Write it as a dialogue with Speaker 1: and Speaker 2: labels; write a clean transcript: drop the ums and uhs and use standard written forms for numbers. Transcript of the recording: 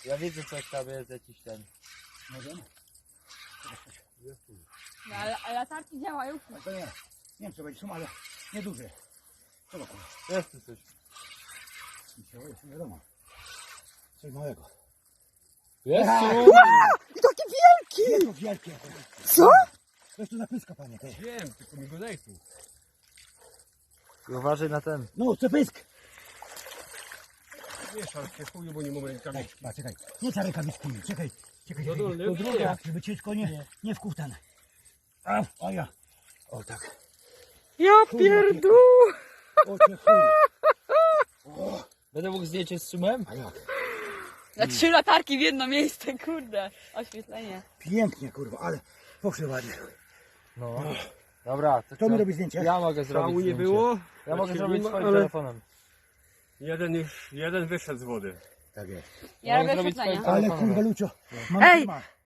Speaker 1: Ja widzę coś tam jest jakiś ten.
Speaker 2: Możemy?
Speaker 3: No, ale latarki działają.
Speaker 2: Ale to nie wiem co będzie, są, ale nieduże. Zobacz.
Speaker 1: Jest tu coś.
Speaker 2: Jest, nie wiadomo. Coś małego.
Speaker 1: Jest tu!
Speaker 4: I taki wielki!
Speaker 2: Nie to wielkie.
Speaker 4: Co?
Speaker 2: To jest tu zapyska, panie. Ty.
Speaker 5: Wiem, tylko mi go daj tu.
Speaker 1: Uważaj na ten.
Speaker 2: No, co pysk?
Speaker 5: Wiesz, ale się chuju, bo nie mamy rękawiczki.
Speaker 2: Czekaj, czekaj. Nie za rękawiczki. Czekaj. Czekaj,
Speaker 5: No
Speaker 2: czekaj.
Speaker 5: to
Speaker 2: To
Speaker 5: lepiej.
Speaker 2: druga, żeby ciężko nie wkuwtane. O ja. O tak.
Speaker 4: Ja pierdu!
Speaker 2: O cię chuj.
Speaker 1: Będę mógł zdjęcie z szumem?
Speaker 2: A jak?
Speaker 3: Na 3 latarki w jedno miejsce, kurde. Oświetlenie.
Speaker 2: Pięknie, kurwa, ale poszły ładnie.
Speaker 1: No. Dobra, to
Speaker 2: Kto mi
Speaker 1: co?
Speaker 2: robi zdjęcie?
Speaker 1: Ja mogę zrobić
Speaker 5: Szału nie
Speaker 1: zdjęcie.
Speaker 5: było.
Speaker 1: Ja mogę
Speaker 5: Znaczy,
Speaker 1: zrobić
Speaker 5: nie ma,
Speaker 1: swoim
Speaker 5: ale
Speaker 1: telefonem.
Speaker 5: jeden wyszedł z wody.
Speaker 2: Tak jest.
Speaker 3: Ja robię
Speaker 1: zrobić
Speaker 3: oświetlenie.
Speaker 1: swoje-
Speaker 2: Ale kurwa, Lucio. Mam
Speaker 4: Ej!
Speaker 2: ma.